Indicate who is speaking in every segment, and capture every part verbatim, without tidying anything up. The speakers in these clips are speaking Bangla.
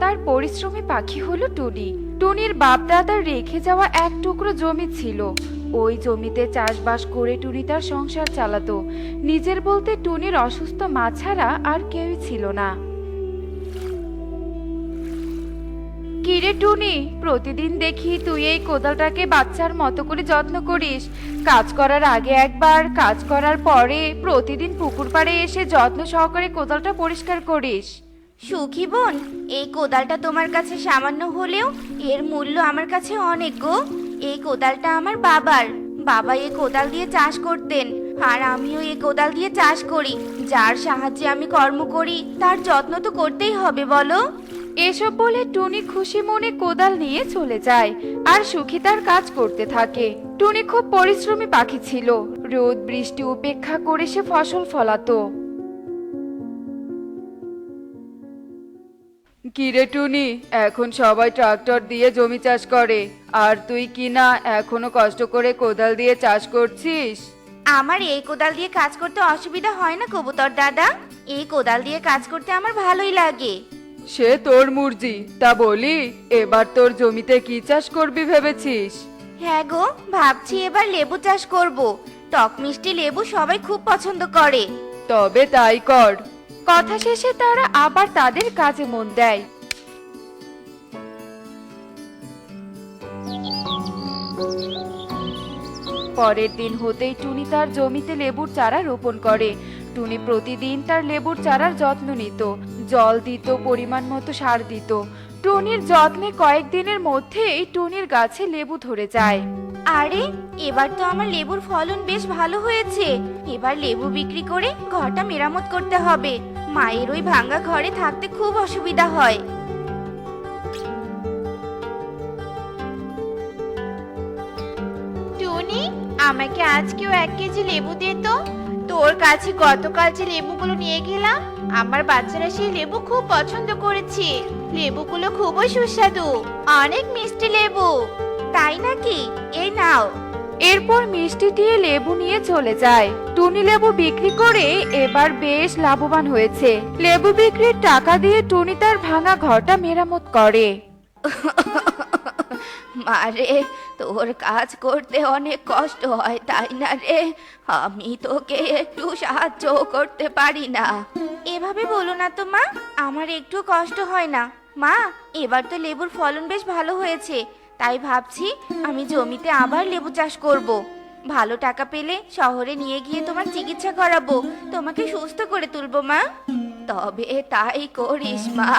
Speaker 1: তার পরিশ্রমী পাখি হলো টুনি। টুনির বাপ দাদার রেখে যাওয়া এক টুকরো জমি ছিল। ওই জমিতে চাষবাস করে টুনি তার সংসার চালাতো। নিজের বলতে টুনির অসুস্থ মা ছাড়া আর কেউই ছিল না। কিরে টুনি, প্রতিদিন দেখি তুই এই কোদালটাকে বাচ্চার মতো করে যত্ন করিস। কাজ করার আগে একবার, কাজ করার পরে প্রতিদিন পুকুর পাড়ে এসে যত্ন সহকারে কোদালটা পরিষ্কার করিস।
Speaker 2: সুখী বোন, এই কোদালটা তোমার কাছে সামান্য হলেও এর মূল্য আমার কাছে অনেক গো। এই কোদালটা আমার বাবার। বাবা এই কোদাল দিয়ে চাষ করতেন, আর আমিও এই কোদাল দিয়ে চাষ করি। যার সাহায্যে আমি কর্ম করি তার যত্ন তো করতেই হবে বলো।
Speaker 1: এসব বলে টুনি খুশি মনে কোদাল নিয়ে চলে যায়, আর সুখী তার কাজ করতে থাকে। টুনি খুব পরিশ্রমী পাখি ছিল। রোদ বৃষ্টি উপেক্ষা করে সে ফসল ফলাতো। কিরে টুনি, এখন সবাই ট্রাক্টর দিয়ে জমি চাষ করে, আর তুই কি না এখনো কষ্ট করে কোদাল দিয়ে চাষ করছিস?
Speaker 2: আমার এই কোদাল দিয়ে কাজ করতে অসুবিধা হয় না কবুতর দাদা। এই কোদাল দিয়ে কাজ করতে আমার ভালোই লাগে।
Speaker 1: সে তোর মুরজি। তা বলি, এবার তোর জমিতে কি চাষ করবি ভেবেছিস?
Speaker 2: হ্যাঁ গো, ভাবছি এবার লেবু চাষ করব। টক মিষ্টি লেবু সবাই খুব পছন্দ করে।
Speaker 1: তবে তাই কর। কথা শেষে তারা আবার তাদের কাজে মন দেয়। পরের দিন হতেই টুনি তার জমিতে লেবুর চারা রোপণ করে। টুনি প্রতিদিন তার লেবুর চারার যত্ন নিত, জল দিত, পরিমাণ মতো সার দিত। টুনির যত্নে কয়েকদিনের মধ্যেই টুনির গাছে লেবু ধরে যায়।
Speaker 2: আরে, এবার তো আমার লেবুর ফলন বেশ ভালো হয়েছে। এবার লেবু বিক্রি করে ঘরটা মেরামত করতে হবে। মায়ের ওই ভাঙা ঘরে থাকতে খুব অসুবিধা হয়। টুনি, আমাকে আজকেও এক কেজি লেবু দে তো। তোর কাছে গতকাল যে লেবুগুলো নিয়ে গেলাম, আমার বাচ্চারা সেই লেবু খুব পছন্দ করেছে। লেবুগুলো খুবই সুস্বাদু, অনেক মিষ্টি লেবু। তাই নাকি? এই নাও।
Speaker 1: এরপর মিষ্টি দিয়ে লেবু নিয়ে চলে যায়। টুনি লেবু বিক্রি করে এবার বেশ লাভবান হয়েছে। লেবু বিক্রির টাকা দিয়ে টুনি তার ভাঙা ঘরটা মেরামত করে।
Speaker 2: মারে, তোর কাজ করতে অনেক কষ্ট হয় তাই না রে? আমি তোকে একটু সাহায্য করতে পারি না? এভাবে বলো না তো মা, আমার একটু কষ্ট হয় না। মা, এবার তো লেবুর ফলন বেশ ভালো হয়েছে, তাই ভাবছি আমি জমিতে আবার লেবু চাষ করব। ভালো টাকা পেলে শহরে নিয়ে গিয়ে তোমার চিকিৎসা করাবো, তোমাকে সুস্থ করে তুলবো মা। তবে তাই করিস মা।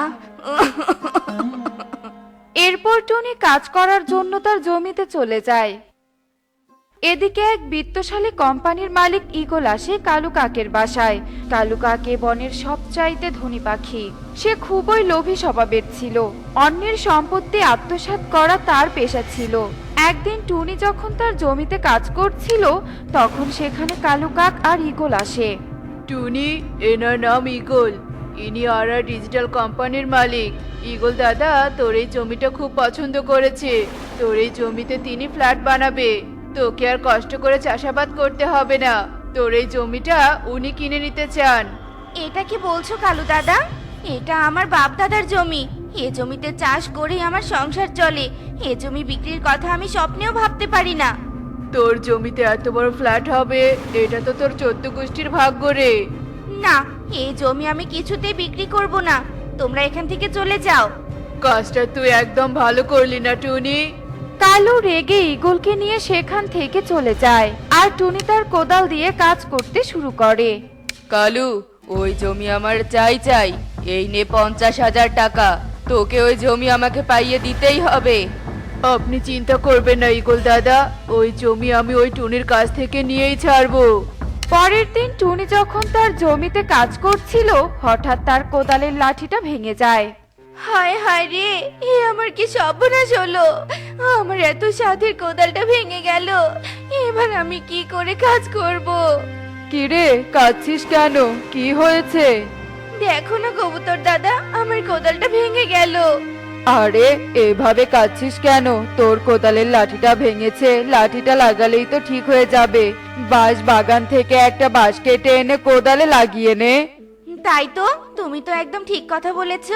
Speaker 1: এরপর টুনি কাজ করার জন্য তার জমিতে চলে যায়। এদিকে এক বিত্তশালী কোম্পানির মালিক ঈগল আসে কালু কাকের বাসায়। কালু কাকে বনের সবচাইতে ধনী পাখি। সে খুবই লোভী স্বভাবের ছিল। অন্যের সম্পত্তি আত্মসাৎ করা তার পেশা ছিল। একদিন টুনি যখন তার জমিতে কাজ করছিল, তখন সেখানে কালু কাক আর ঈগল আসে।
Speaker 3: টুনি, এনার নাম ঈগল। ইনি আরা ডিজিটাল কোম্পানির মালিক। ঈগল দাদা তোর এই জমিটা খুব পছন্দ করেছে। তোর এই জমিতে তিনি ফ্ল্যাট বানাবে। তোকে আর কষ্ট করে চাষাবাদ করতে হবে না। তোর এই জমিটা উনি কিনে নিতে চান।
Speaker 2: এটা কি বলছো কালু দাদা? এটা আমার বাপ দাদার জমি। এ জমিতে চাষ করেই আমার সংসার চলে। এ জমি বিক্রির কথা আমি স্বপ্নেও ভাবতে পারি না।
Speaker 3: তোর জমিতে এত বড় ফ্ল্যাট হবে, এটা তো তোর চোদ্দ গোষ্ঠীর ভাগ্য রে।
Speaker 2: না, এই জমি আমি কিছুতেই বিক্রি করব না। তোমরা এখান থেকে চলে যাও।
Speaker 3: কাজটা তুই একদম ভালো করলি না টুনি।
Speaker 1: কালু রেগে ঈগলকে নিয়ে সেখান থেকে চলে যায়, আর টুনি তার কোদাল দিয়ে কাজ করতে শুরু করে।
Speaker 3: কালু, ওই জমি আমার চাই চাই। এই নে পঞ্চাশ হাজার টাকা। তোকে ওই জমি আমাকে পাইয়ে দিতেই হবে। আপনি চিন্তা করবেন না ঈগল দাদা, ওই জমি আমি ওই টুনির কাছ থেকে নিয়েই ছাড়বো।
Speaker 1: পরের দিন টুনি যখন তার জমিতে কাজ করছিল, হঠাৎ তার কোদালের লাঠিটা ভেঙে যায়।
Speaker 2: হায় হায় রে, এ আমার কি সর্বনাশ হলো! আমার এত সাধের কোদালটা ভেঙে গেল। এবার আমি কি করে কাজ করব?
Speaker 1: কিরে, কাঁদছিস কেন? কি হয়েছে?
Speaker 2: দেখো না কবুতর দাদা, আমার কোদালটা ভেঙে গেল।
Speaker 1: আরে, এভাবে কাঁদছিস কেন? তোর কোদালের লাঠিটা ভেঙেছে, লাঠিটা লাগালেই তো ঠিক হয়ে যাবে। বাঁশ বাগান থেকে একটা বাঁশ কেটে এনে কোদালে লাগিয়ে নে।
Speaker 2: তাই তো, তুমি তো একদম ঠিক কথা বলেছো।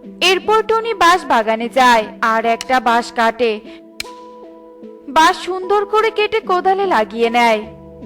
Speaker 1: এরপর টনি বাঁশ বাগানে যায় আর একটা বাঁশ কাটে। বাঁশ সুন্দর করে কেটে কোদালে লাগিয়ে নেয়।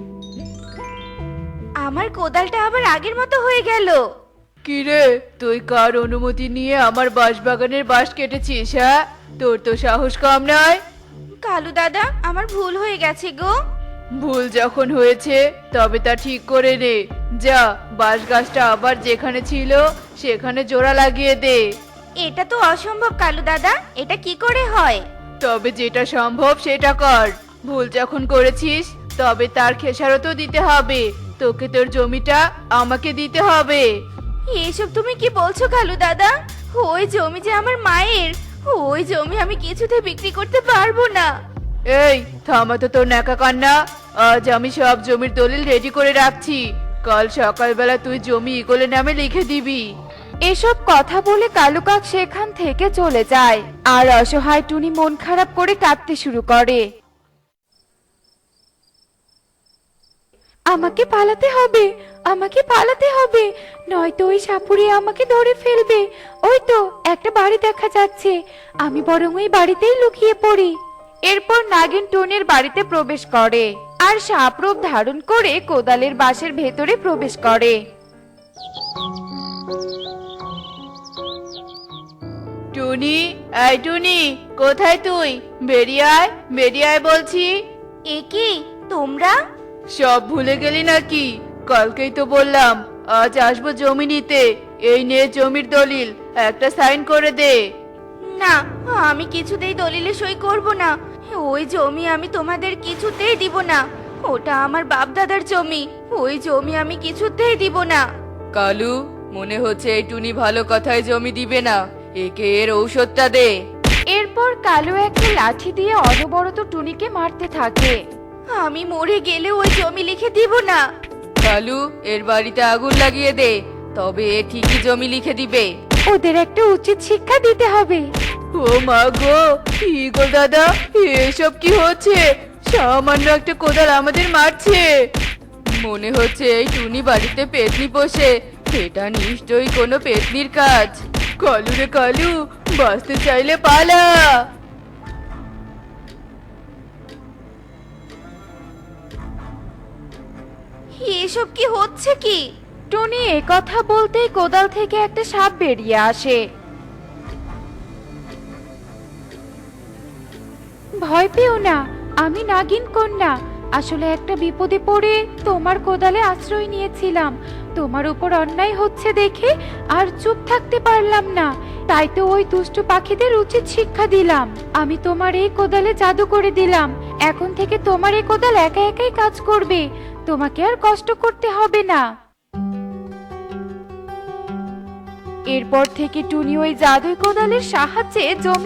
Speaker 2: আমার কোদালটা আবার আগের মতো হয়ে গেল।
Speaker 3: কিরে, তুই কার অনুমতি নিয়ে আমার বাঁশবাগানের বাঁশ কেটেছিস? হ্যাঁ, তোর তো সাহস কম নয়।
Speaker 2: কালু দাদা, আমার ভুল হয়ে গেছে গো।
Speaker 3: ভুল যখন হয়েছে তবে তা ঠিক করে নে। যা, বাঁশ গাছটা আবার যেখানে ছিল সেখানে জোড়া লাগিয়ে দে।
Speaker 2: এটা তো অসম্ভব কালু দাদা, এটা কি করে হয়?
Speaker 3: তবে যেটা সম্ভব সেটা কর। ভুল যখন করেছিস তবে তার খেসারতও দিতে হবে। তোকে তোর জমিটা আমাকে দিতে হবে।
Speaker 2: এসব তুমি কি বলছো কালু দাদা? ওই জমি যে আমার মায়ের, ওই জমি আমি কিছুতে বিক্রি করতে পারবো না।
Speaker 3: এই থামা তো তোর ন্যাকা কান্না। আজ আমি সব জমির দলিল রেডি করে রাখছি। কাল সকালবেলা তুই জমি ইগলের নামে লিখে দিবি।
Speaker 1: এসব কথা বলে কালু কাক সেখান থেকে চলে যায় আর অসহায় টুনি মন খারাপ করে কাঁদতে শুরু করে। আমাকে পালাতে হবে, আমাকে পালাতে হবে, নয়তো ওই সাপুড়ে আমাকে ধরে ফেলবে। ওই তো একটা বাড়ি দেখা যাচ্ছে, আমি বরং ওই বাড়িতেই লুকিয়ে পড়ি। এরপর নাগিন টুনির বাড়িতে প্রবেশ করে আর সাপরূপ ধারণ করে কোদালের বাঁশের ভেতরে প্রবেশ করে।
Speaker 3: টুনি, এই টুনি, কোথায় তুই? বেরিয়ে আয়, বেরিয়ে আয় বলছি।
Speaker 2: এ কি তোমরা?
Speaker 3: সব ভুলে গেলি নাকি? কালকেই তো বললাম আজ আসবো জমি নিতে। এই নে জমির দলিল, একটা সাইন করে দে।
Speaker 2: না, আমি কিছুতেই দলিলে সই করব না। ওই জমি আমি তোমাদের কিছুতেই দিব না। ওটা আমার বাপ দাদার জমি, ওই জমি আমি কিছুতেই দিব না।
Speaker 3: কালু, মনে হচ্ছে এই টুনি ভালো কথায় জমি দিবে না। একে এর ঔষধটা দে।
Speaker 1: এরপর কালু একটা লাঠি দিয়ে অনবরত টুনিকে মারতে থাকে।
Speaker 2: আমি মরে গেলে ওই জমি লিখে দিব না।
Speaker 3: কালু, এর বাড়িতে আগুন লাগিয়ে দে, তবে এ ঠিকই জমি লিখে দিবে।
Speaker 1: ওদের একটা উচিত শিক্ষা দিতে হবে।
Speaker 3: ও মা গো, ইগল দাদা, এসব কি হচ্ছে? সামান্য একটা কোদাল আমাদের মারছে। মনে হচ্ছে এই টুনি বাড়িতে পেতনি পোষে। এটা নিশ্চয়ই কোনো পেতনির কাজ। কালু রে কালু, বাঁচতে চাইলে পালা।
Speaker 2: এসব কি হচ্ছে কি?
Speaker 1: টুনি এ কথা বলতেই কোদাল থেকে একটা সাপ বেরিয়ে আসে। ভয় পেও না, আমি নাগিন কন্যা। আসলে একটা বিপদে পড়ে তোমার কোদালে আশ্রয় নিয়েছিলাম। তোমার উপর অন্যায় হচ্ছে দেখে আর চুপ থাকতে পারলাম না, তাই তো ওই দুষ্টু পাখিদের উচিত শিক্ষা দিলাম। আমি তোমার এই কোদালে জাদু করে দিলাম। এখন থেকে তোমার এই কোদাল একা একাই কাজ করবে, তোমাকে আর কষ্ট করতে হবে না। এরপর থেকে টুনি ওই জাদুই কোদালের সাহায্যে জমি